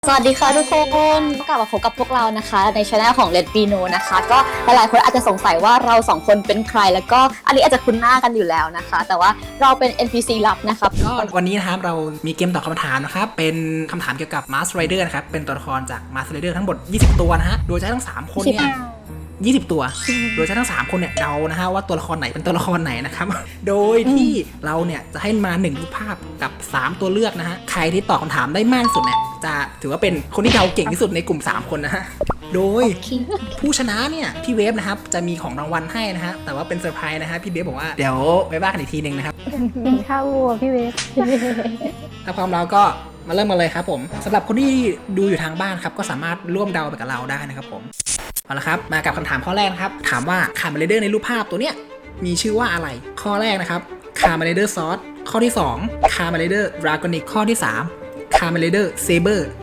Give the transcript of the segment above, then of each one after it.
สวัสดีค่ะทุกคนกลับมาพบกับพวกเรานะคะในช่องของ Let Me Know นะคะก็หลายๆคนอาจจะสงสัยว่าเราสองคนเป็นใครแล้วก็อันนี้อาจจะคุ้นหน้ากันอยู่แล้วนะคะแต่ว่าเราเป็น NPC ลับนะคะก็วันนี้นะครับเรามีเกมตอบคำถามนะครับเป็นคำถามเกี่ยวกับ Mask Rider นะครับเป็นตัวละครจาก Mask Rider ทั้งหมด20ตัวนะฮะโดยใช้ทั้ง3คนเนี่ย20ตัวโดยใช้ทั้ง3คนเนี่ยเดานะฮะว่าตัวละครไหนเป็นตัวละครไหนนะครับโดยที่เราเนี่ยจะให้มา1รูปภาพกับ3ตัวเลือกนะฮะใครที่ตอบคำถามได้มากที่สุดเนี่ยจะถือว่าเป็นคนที่เดาเก่งที่สุดในกลุ่ม3คนนะฮะโดยผู้ชนะเนี่ยพี่เวฟนะครับจะมีของรางวัลให้นะฮะแต่ว่าเป็นเซอร์ไพรส์นะฮะพี่เวฟบอกว่าเดี๋ยวไว้ว่ากันอีกทีนึงนะครับเป็นข้าววัวพี่เวฟถ้าพร้อมแล้วก็มาเริ่มกันเลยครับผมสำหรับคนที่ดูอยู่ทางบ้านครับก็สามารถร่วมเดาไปกับเราได้นะครับผมเอาละครับมากับคำถามข้อแรกนะครับถามว่าคาร์มาเรเดอร์ในรูปภาพตัวเนี้ยมีชื่อว่าอะไรข้อแรกนะครับคาร์มาเรเดอร์ซอสข้อที่2คาร์มาเรเดอร์ดราก้อนิกข้อที่3คาร์มาเรเดอร์เซเบอร์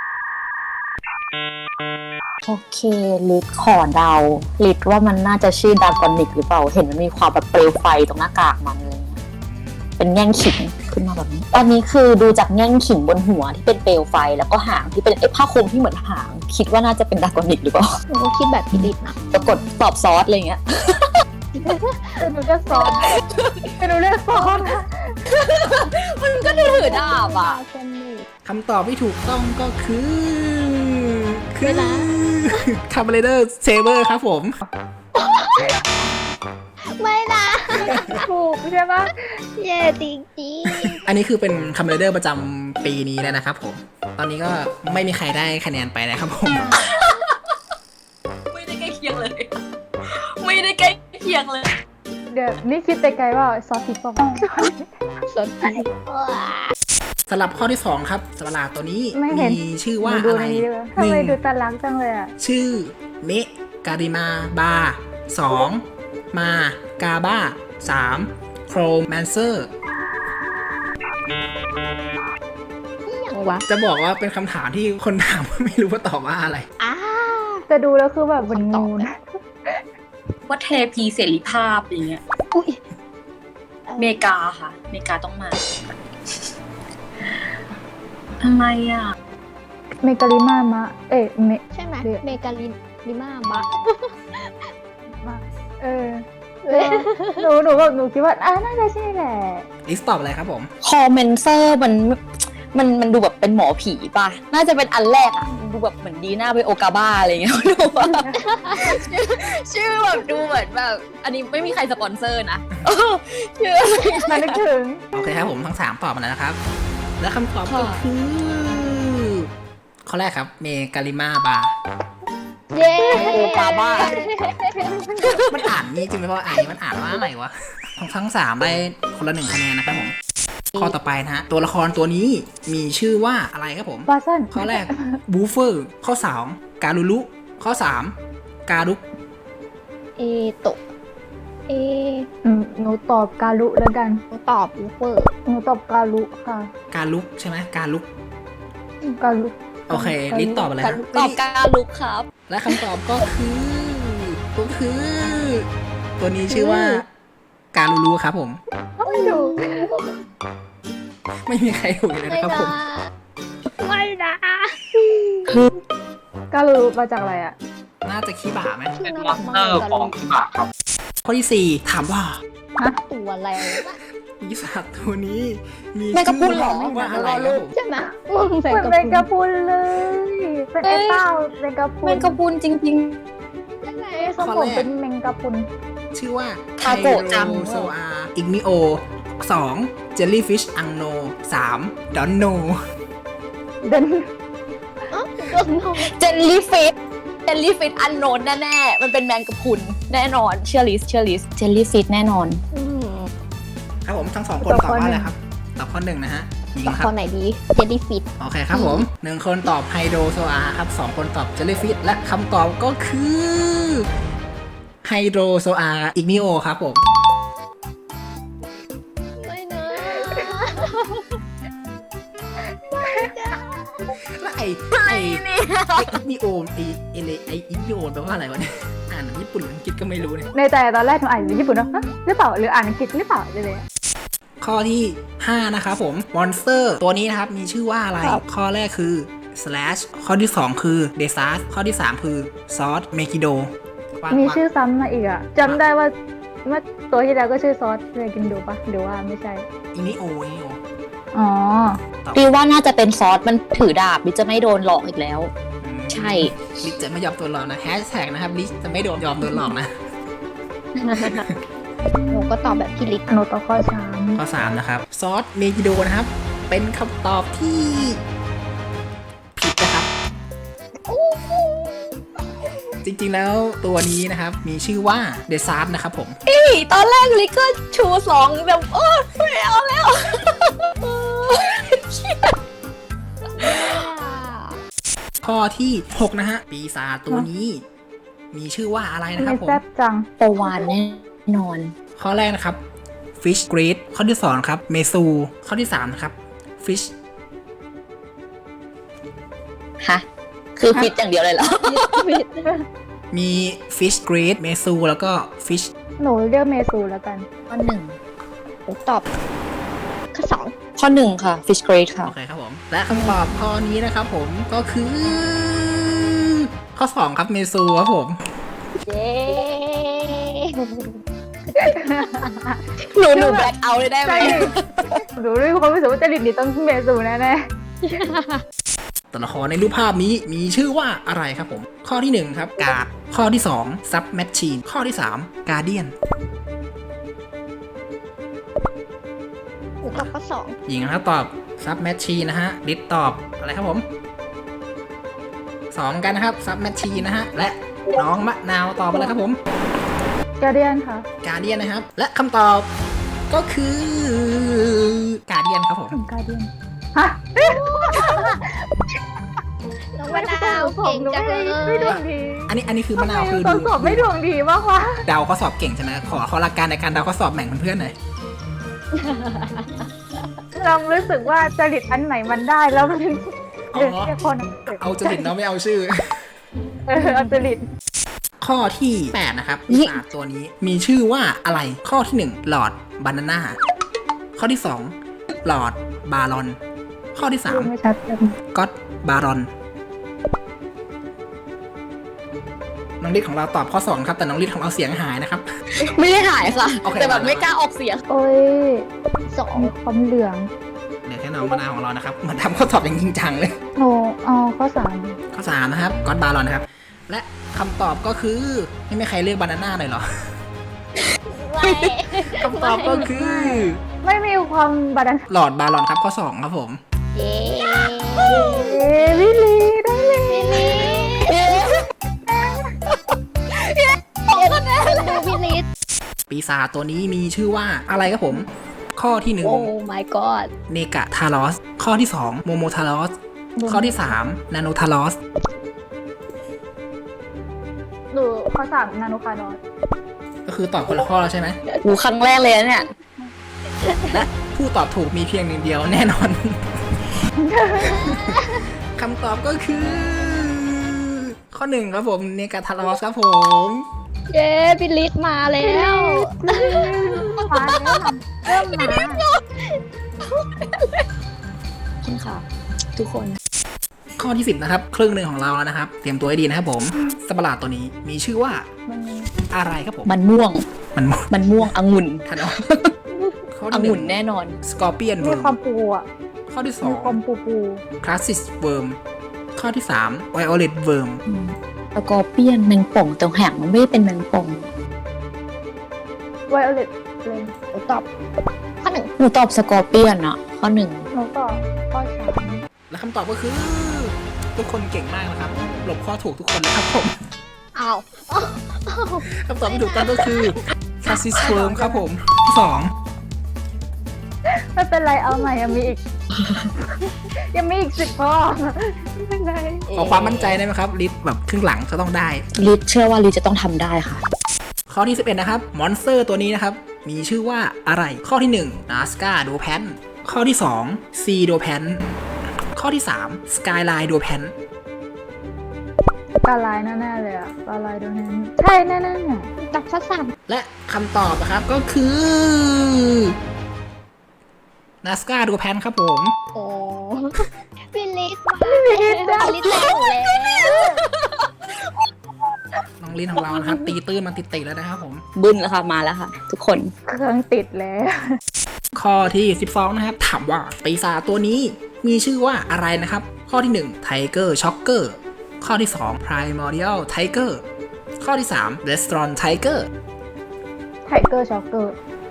โอเคลิดขอเดาลิดว่ามันน่าจะชื่อดากอนิกหรือเปล่าเห็นมันมีความแบบเปลวไฟตรงหน้ากากมันเลยเป็นแง่งขิงขึ้นมาแบบนี้อันนี้คือดูจากแง่งขิงบนหัวที่เป็นเปลวไฟแล้วก็หางที่เป็นผ้าคลุมที่เหมือนหางคิดว่าน่าจะเป็นดากอนิกหรือเปล่าหนูก็คิดแบบพี่ลิศนะปรากฏตอบซอสอะไรเงี้ยหนูก็ซ้อนหนูเลือกซ้อนมันก็ถือดาบอ่ะคำตอบที่ถูกต้องก็คือคาร์มาเรเดอร์เซเบอร์ครับผมไม่นะถูกใช่ปะเย่จริงอันนี้คือเป็นคาร์มาเรเดอร์ประจำปีนี้แล้วนะครับผมตอนนี้ก็ไม่มีใครได้คะแนนไปนะครับผมไม่ได้ใกล้เคียงเลย ไม่ได้ใกล้เคียงเลยเดี๋ยวนี่คิดไปไกลว่าซอสพริกป่ะซอสพริกสำหรับข้อที่2ครับสัตว์ประหลาดตัวนี้มีชื่อว่าอะไรทำไมดูตาลักจังเลยอ่ะชื่อเมการิมาบา2มากาบ้า3โครแมนเซอร์อย่างวะจะบอกว่าเป็นคำถามที่คนถามไม่รู้ว่าตอบว่าอะไรแต่ดูแล้วคือแบบมันงูนะว่าเทพีเสรีภาพอย่างเงี้ยเมกาค่ะเมกาต้องมาทำไมอ่ะเมกาลิมามะใช่ไหมเมกาลิมาบะหนูคิดว่าน่าจะใช่แหละลิสตอบอะไรครับผมคอมเมนเซอร์มันดูแบบเป็นหมอผีป่ะน่าจะเป็นอันแรกอ่ะดูแบบเหมือนดีน่าไปโอกาบ้าอะไรเงี้ยดูว่าชื่อแบบดูเหมือนแบบอันนี้ไม่มีใครสปอนเซอร์นะชื่อมานึกถึงโอเคครับผมทั้ง3ตอบมาแล้วนะครับ และคำตอบก็คือข้อแรกครับเมการิมาบาเย้โอกาบ้ามันอ่านนี่จริงไหมว่ามันอ่านว่าอะไรวะทั้ง3ได้คนละ1คะแนนนะครับผมข้อต่อไปนะฮะตัวละครตัวนี้มีชื่อว่าอะไรครับผมบาซันข้อแรกบูเฟอร์ข้อ2การุลุข้อ3การุกเอโตะเอหนูตอบกาลุแล้วกันตอบอูเฟอร์หนูตอบกาลุค่ะการลุกใช่ไหมการลุกกาลุโอเคลิสตอบอะไรครับตอบการลุกครับและคำตอบก็คือ ตัวนี้ชื่อว่าการุลุครับผมไม่ดูไม่มีใครถูกเลยนะครับผมไม่นะกาลุมาจากอะไรอ่ะน่าจะขี้บ่าไหมชื่อเป็นน่ามอรักนสมาเตอร์ของที่บาครับข้อที่4ถามว่าตัวแล้วปีศาจตัวนี้มีแมงกะพรุนเหรอชื่ว่าอะไรครับผมใช่ไหมเหมือนแมงกะพรุนเลย เป็นไอ้เต้าแมงกะพรุนแมงกะพรุนจริงใช่ไหมทรงผมเป็นแมงกะพรุนชื่อว่าทาโกะจังโซอาอิกนิโอ2เจลลี่ฟิชอังโน3ดอนโนเดินๆเจลลี่ฟิตอันโนนแน่ๆมันเป็นแมงกะพรุนแน่นอนเชื่อลิสเจลลี่ฟิตแน่นอนครับผมทั้ง2คนตอบว่าอะไรครับตอบข้อ1นะฮะหญิงตอบครัคบนไหนดีเจลลี่ฟิตโอเคครับผม1คนตอบไฮโดรโซอาครับ2คนตอบเจลลี่ฟิชและคำตอบก็คือไฮโดรโซอาอิกนิโอครับผมไม่นะแล้วไอ้อิกนิโอไอ้อิกนิโอแปลว่าอะไรวะเนี่ยอ่านญี่ปุ่นหรืออังกฤษก็ไม่รู้เนี่ยในใจตอนแรกหนูอ่านเป็นญี่ปุ่นเนาะหรือเปล่าหรืออ่านอังกฤษหรือเปล่าเลยข้อที่5นะครับผมมอนสเตอร์ตัวนี้นะครับมีชื่อว่าอะไรข้อแรกคือ slash ข้อที่ 2 คือ desas ข้อที่ 3 คือ ซอส megido มีชื่อซ้ำมาอีกอ่ะจำได้ว่าเมื่อตัวที่แล้วก็ชื่อซอสเลยกินดูปะหรือว่าไม่ใช่อินิโออ๋อดีว่าน่าจะเป็นซอสมันถือดาบลิจะไม่โดนหลอกอีกแล้ว ใช่ลิซจะไม่ยอมโดนหลอกนะแฮชแท็กนะครับลิซจะไม่ยอมโดนหลอกนะหนูก็ตอบแบบพี่ลิศหนูต่อข้อสามข้อ 3 นะครับ ซอส megido นะครับ เป็นคำตอบที่ผิดนะครับ จริงๆแล้วตัวนี้นะครับ มีชื่อว่า desas นะครับผมตอนแรกลิก็ชู2แบบไม่เอาแล้วข้อที่ 6 นะฮะ ปีศาจตัวนี้ มีชื่อว่าอะไรนะคไม่รับผมแซ่บจังประวานแน่นอนข้อแรกนะครับ fish great ข้อที่ 2 นะครับ mesu ข้อที่ 3 นะครับ fish ฮะ คือฟิตอย่างเดียวเลยเหรอมี fish great mesu แล้วก็ fish หนูเลือกเมซูแล้วกันข้อหนึ่งหนูตอบข้อข้อหนึ่งค่ะ fish grade ค่ะโอเคครับผม และคำตอบข้อนี้นะครับผมก็คือ ข้อ 2 ครับ mesu ครับผม 2 เย้หนูแบล็คเอาท์เลยได้ไหมใช่หนูรู้ความรู้สึกว่าจริตนี่ต้องเมซูแน่ตัวละครในรูปภาพนี้มีชื่อว่าอะไรครับผม ข้อที่ 1 ครับ กาด ข้อที่ 2 sub machine ข้อที่ 3 guardian หนูตอบข้อหญิงนะครับตอบ sub machine นะฮะลิศตอบอะไรครับผม2กันนะครับ sub machine นะฮะ และน้องมะนาวตอบอะไรครับผมๆกาเดียนค่ะ guardian นะครับ และคำตอบก็คือ guardian ครับผมกาเดียนฮะ 2 น้องมะนาวเก่งจังเลยไม่ดวงดีอันนี้คือมะนาวคือตอนดูสอบไม่ดวงดีมากวะเดาข้อสอบเก่งใช่ไหมขอหลักการในการเดาข้อสอบแบ่งเพื่อนๆหน่อยเรารู้สึกว่าจริตอันไหนมันได้แล้วมันอ๋อเรียกคนเอาจริตเนาะไม่เอาชื่อเอาจริตข้อที่ 8 นะครับปีศาจตัวนี้มีชื่อว่าอะไร ข้อที่ 1 หลอดบานาน่า ข้อที่ 2 หลอดบารอน ข้อที่ดูไม่ชัดเลย 3ก็อตบารอน น้องลิศของเราตอบข้อ 2 ครับ แต่น้องลิศของเราเสียงหายนะครับไม่ได้หายค่ะโอเคแต่แบบไม่กล้าออกเสียงโอ้ย 2 มีความเหลืองเหลือแค่น้องมะนาวของเรานะครับเหมันทำข้อสอบอย่างจริงจังเลยหนูเอาข้อสามข้อ 3 นะครับก็อตบารอนนะครับ และคำตอบก็คือไม่มีใครเลือกบานาน่าเลยเหรอ คำตอบก็คือไม่มีความบาดาลหลอดบารอนครับข้อ 2 ครับผมเย้วิลีได้เลยดูพี่ลิศปีศาจตัวนี้มีชื่อว่าอะไรครับผม ข้อที่โอ้ my god 1 เนกะทารอส ข้อที่ 2 โมโมทารอส ข้อที่ 3 นาโนทารอสหนูข้อสามนานุคาร์ดอนก็คือตอบคนละข้อแล้วใช่ไหมหูครั้งแรกเลยนะเนี่ยและผู้ตอบถูกมีเพียงหนึ่งเดียวแน่นอน คำตอบก็คือ ข้อ 1 ครับผม เนกะทารอสครับผมเย้พี่ลิศมาแล้วมาแล้วเริ่มมาคุณค่ะ ทุกคนข้อที่ 10 นะครับ ครึ่งหนึ่งของเราแล้วนะครับ เตรียมตัวให้ดีนะครับผมสัตว์ประหลาดตัวนี้มีชื่อว่ามันอะไรครับผมมันม่วงมันมันม่วงองุ่นทันเอาข้ออที่งุ่น 1 แน่นอนสกอร์เปียนมีความปูอ่ะข้อที่มีความ 2 ปูคลาสสิสเวิร์ม ข้อที่ 3 ไวโอเลตเวิร์มสกอร์เปียนแมงป่องตรงแหงมันไม่ได้เป็นแมงป่องไวโอเลตเลยหนูตอบข้อ 1 หนูตอบสกอร์เปียนอะข้อหนึ่งหนูก็ข้อสามและคำตอบก็คือ ทุกคนเก่งมากนะครับ หลบข้อถูกทุกคนเลยครับผมอ้าวคำตอบที่ถูกต้องก็คือ คลาสสิสเวิร์มครับผมข้อไม่เป็นไรเอาใหม่ยังมีอีก ยังมีอีก10ข้อไม่เป็นไร 2 ขอความมั่นใจได้ไหมครับลิสแบบครึ่งหลังจะต้องได้ลิเชื่อว่าลิจะต้องทำได้ค่ะข้อที่ 11 นะครับ มอนสเตอร์ตัวนี้นะครับ มีชื่อว่าอะไร ข้อที่ 1 นาสกาโดแพน ข้อที่ 2 ซีโดแพน ข้อที่ 3 สกายไลน์โดแพนกาลายแน่ๆเลยอ่ะกาลายโดนนั้นใช่แน่ๆเนี่ยตอบข้อ 3 และคำตอบนะครับก็คือ นาสกาโดแพนครับผมโอ้พี่ลิสมาพี่ลิสแซงหนูแล้วน้องลินของเรานะครับ ตีตื้นมาติดๆแล้วนะครับผมบึ้นแล้วค่ะมาแล้วค่ะ ทุกคนเครื่องติดแล้วข้อที่ 12 นะครับ ถามว่าปีศาจตัวนี้มีชื่อว่าอะไรนะครับ ข้อที่ 1 Tiger Shocker ข้อที่ 2 Primordial Tiger ข้อที่ 3 Restaurant Tiger ไทเกอร์ช็อกเกอร์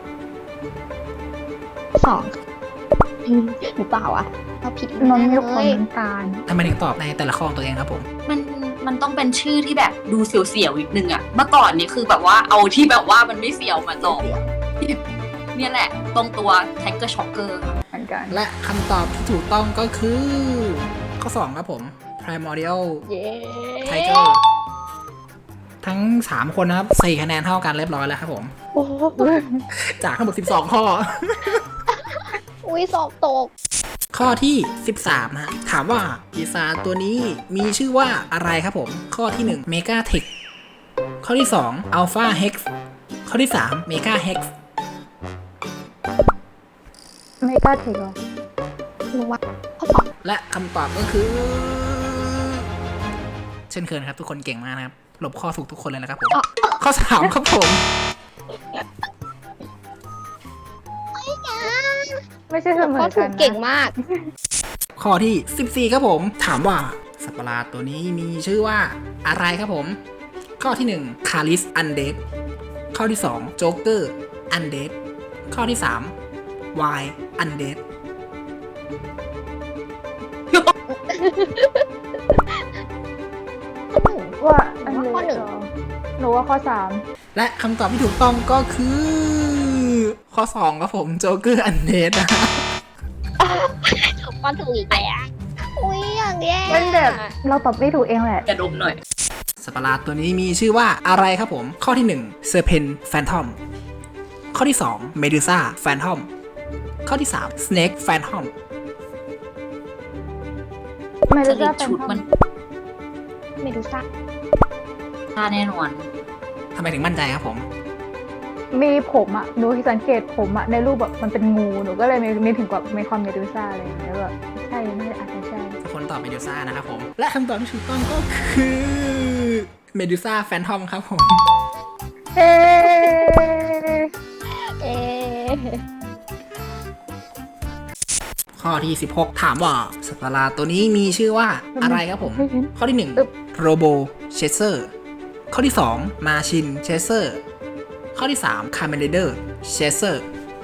2หรือเปล่าอ่ะเราผิดน้องมีเลคนยน้ำตาลทำไมถึงตอบในแต่ละข้อของตัวเองครับผมมันต้องเป็นชื่อที่แบบดูเสียวๆนิดนึงอะเมื่อก่อนนี่คือแบบว่าเอาที่แบบว่ามันไม่เสียวมาตอบเนี่ยแหละ ตรงตัว Tiger Shocker ค่ะเหมือนกันและคำตอบที่ถูกต้องก็คือ ข้อ 2 ครับผม Primordial เย้ Tiger ทั้ง 3 คนนะครับ4คะแนนเท่ากันเรียบร้อยแล้วครับผมโอ้โหจากทั้งหมด12 ข้ออุ้ยสอบตกข้อที่ 13 นะฮะถามว่าปีศาจตัวนี้มีชื่อว่าอะไรครับผม ข้อที่ 1 Mega Tech ข้อที่ 2 Alpha Hex ข้อที่ 3 Mega Hex ไม่กล้าเทคหรอรู้ว่าข้อและคำตอบก็คือ เช่นเคยนะครับ ทุกคนเก่งมากนะครับหลบข้อถูกทุกคนเลยนะครับผม ข้อ 3 ครับผมไม่ใช่เสมข้ออถูกักนนะเก่งมากข้อที่ 14 ครับผม ถามว่าสัตว์ประหลาดตัวนี้มีชื่อว่าอะไรครับผม ข้อที่ 1 Caris Undead ข้อที่ 2 Joker Undead ข้อที่ 3 Y Undead ว่าอันข้อหนึ่งหนูว่าข้อและคำตอบที่ถูกต้องก็คือ ข้อ 2 ครับผม Joker Undead นะข้อถูกอีกแล้วอุ้ยอย่างแย่ 3เป็นแบบเราตอบไม่ถูกเองแหละกระดมหน่อยสัตว์ประหลาดตัวนี้มีชื่อว่าอะไรครับผม ข้อที่ 1 Serpent Phantom ข้อที่ 2 Medusa Phantom ข้อที่ 3 Snake Phantom ไม่จรู้ริจะตเป็นชุดมันไม่ดูซักท่าแน่นอนทำไมถึงมั่นใจครับผมมีผมอ่ะหนูสังเกตผมอ่ะในรูปแบบมันเป็นงูหนูก็เลยนึกถึงกับเมคอนเมดูซ่าอะไรอย่างเงี้ยแบบใช่น่าจะอาจจะใช่ทุกคนตอบเมดูซ่านะครับผม และคำตอบที่ถูกต้องก็คือเมดูซ่าแฟนทอมครับผมเอ๊เอ๊ะข้อที่ 16 ถามว่าสัตว์ประหลาดตัวนี้มีชื่อว่าอะไรครับผม ข้อที่ 1 โรโบเชสเซอร์ข้อที่ 2 มาชินเชสเซอร์ข้อที่ 3 คาเมเลเดอร์เชสเซอร์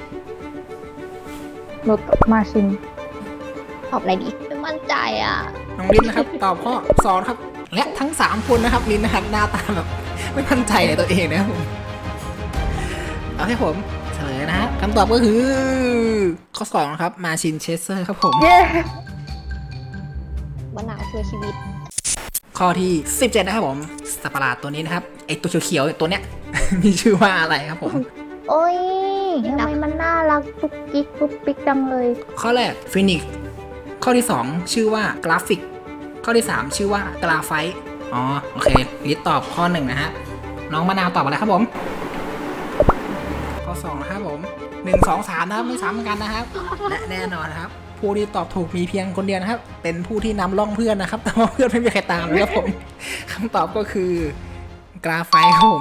รถมาชินตอบอะไรดีไม่มั่นใจอ่ะน้องลินนะครับ ตอบข้อ2ครับ และทั้ง 3 คนนะครับลินนะครับหน้าตาแบบไม่มั่นใจในตัวเองนะครับผมเอาให้ผมเฉลยนะฮะคำตอบก็คือข้อ2นะครับมาชินเชสเซอร์ครับผมเย้มะนาวเพื่อชีวิตข้อที่ 17 นะครับผมสัตว์ประหลาดตัวนี้นะครับไอตัวเขียวๆตัวเนี้ย มีชื่อว่าอะไรครับผมโอ้ยทำไมมันน่ารักปุ๊กกิ๊กปุ๊กปิ๊กจังเลยข้อแรกฟินิกข้อที่ 2 ชื่อว่ากราฟิกข้อที่ 3 ชื่อว่ากราไฟต์อ๋อโอเคลิสตอบข้อ 1 นะฮะน้องมะนาวตอบอะไรครับผม ข้อ 2 นะครับผม 1 2 3 นะครับไม่ซ้ำกันนะครับ และแน่นอนนะครับ ผู้ที่ตอบถูกมีเพียงคนเดียวนะครับ เป็นผู้ที่นำล่องเพื่อนนะครับ แต่ว่าเพื่อนไม่มีใครตามเลยครับผมคำตอบก็คือกราไฟต์ครับผม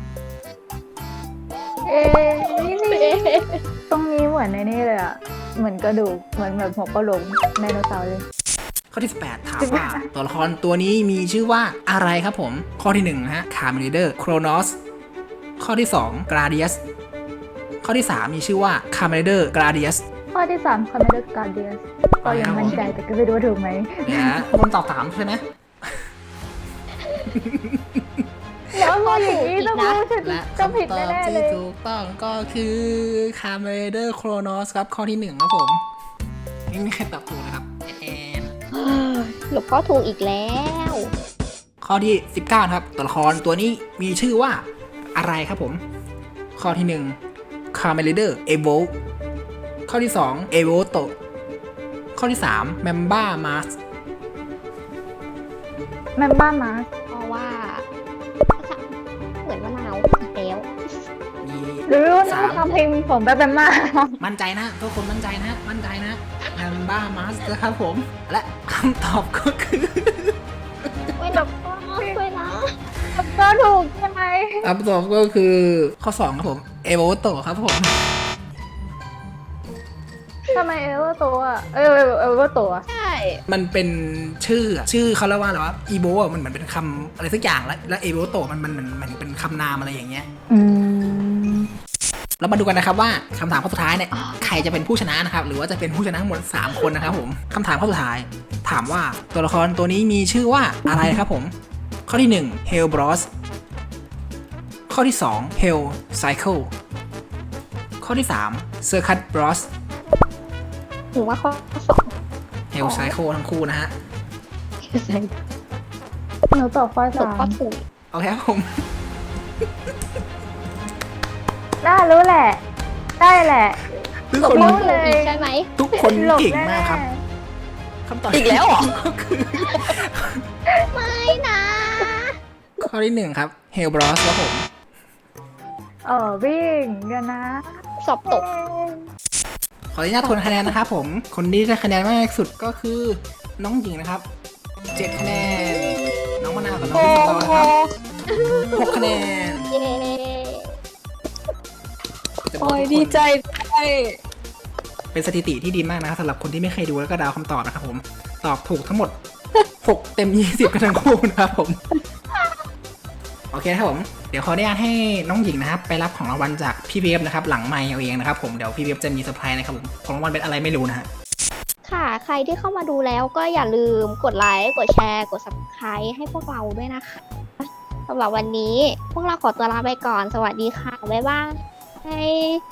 เอ๊ะตรงนี้เหมือนในนี่เลยอ่ะเหมือนกระดูกเหมือนแบบหัวกะโหลกไดโนเสาร์เลยข้อที่ 18 ถามว่าตัวละครตัวนี้มีชื่อว่าอะไรครับผม ข้อที่ 1 นะฮะคาร์มิเดอร์โครนอสข้อที่ 2 กราเดียสข้อที่ 3 มีชื่อว่าคาร์มิเดอร์กราเดียสข้อที่3 Commander Guardians ก็ยังมั่นใจแต่ก็ไม่รู้ว่าถูกไหมเนี่ยฮะคนตอบ3ใช่ไหมแล้วพออย่างนี้ต้องรู้ฉันและจะคำผิดตอบแน่ๆเลที่ยถูกต้องก็คือคาร์มิเดอร์โครนอสครับข้อที่ 1 ครับผมไม่มีใครตอบถูกนะครับแอนหลบข้อถูกอีกแล้วข้อที่ 19 ครับตัวละครตัวนี้มีชื่อว่าอะไรครับผม ข้อที่ 1 Carmelida Evolve ข้อที่ 2 Evoto ข้อที่ 3 Mamba Mars แมมบ้ามาเพราะว่าข้อสามเหมือนมะนาวอีกแล้วมีหรือว่าน้อง 3 ทำเพลงผมแบบแมมมามั่นใจนะทุกคนมั่นใจนะมั่นใจนะแฮมบ้ามัสนะครับผม และคำตอบก็คือไม่หลับเวลาก็ถูกใช่ไหมคำตอบก็คือข้อ 2 ครับผมเอโวโตครับผมทำไมเอเวอร์ตัวอะเอเวอร์ตัวใช่มันเป็นชื่อเขาเรียกว่าอะไรวะอีโบมันเหมือนเป็นคำอะไรสักอย่างแล้วเอโวโตมันเป็นคำนามอะไรอย่างเงี้ยอืมเรามาดูกันนะครับว่าคำถามข้อสุดท้ายเนี่ยใครจะเป็นผู้ชนะนะครับหรือว่าจะเป็นผู้ชนะทั้งหมด3คนนะครับผมคำถามข้อสุดท้าย ถามว่าตัวละครตัวนี้มีชื่อว่าอะไรครับผมข้อที่1 Hell Bros ข้อที่2 Hell Cycle ข้อที่3 Circuit Bros หรือว่าข้อ Hell Cycle ทั้งคู่นะฮะหนูตอบข้อถูก 3 ข้อถูกโอเคครับผมน่ารู้แหละ ได้แหละทุกถูกคนข้อถูกอีกใช่ไหมทุกคนหลบเก่งแน่มากครับคำตอบอีกแล้วเหรอก็คือไม่นะข้อที่1ครับ Hell Bros ครับผมวิ่งเดี๋ยวนะสอบตกขออนุญาตทวนคะแนนนะครับผม คนที่ได้คะแนนมากที่สุดก็คือน้องหญิงนะครับ 7 คะแนน น้องมะนาวกับน้องพี่สตอนะครับ 6 คะแนนเย้จะบอกโอ้ยทุกคนดีใจเป็นสถิติที่ดีมากนะครับสำหรับคนที่ไม่เคยดูแล้วก็เดาคำตอบนะครับผม ตอบถูกทั้งหมด 6 เต็ม 20 กันทั้งคู่นะครับผม โอเคครับผม เดี๋ยวขออนุญาตให้น้องหญิงนะครับ ไปรับของรางวัลจากพี่เวฟนะครับ หลังไมค์เอาเองนะครับผม เดี๋ยวพี่เวฟจะมีเซอร์ไพรส์นะครับผม ของรางวัลเป็นอะไรไม่รู้นะฮะค่ะ ใครที่เข้ามาดูแล้วก็อย่าลืมกดไลค์ กดแชร์ กด subscribe ให้พวกเราด้วยนะคะสำหรับวันนี้พวกเราขอตัวลาไปก่อน สวัสดีค่ะ บ๊ายบาย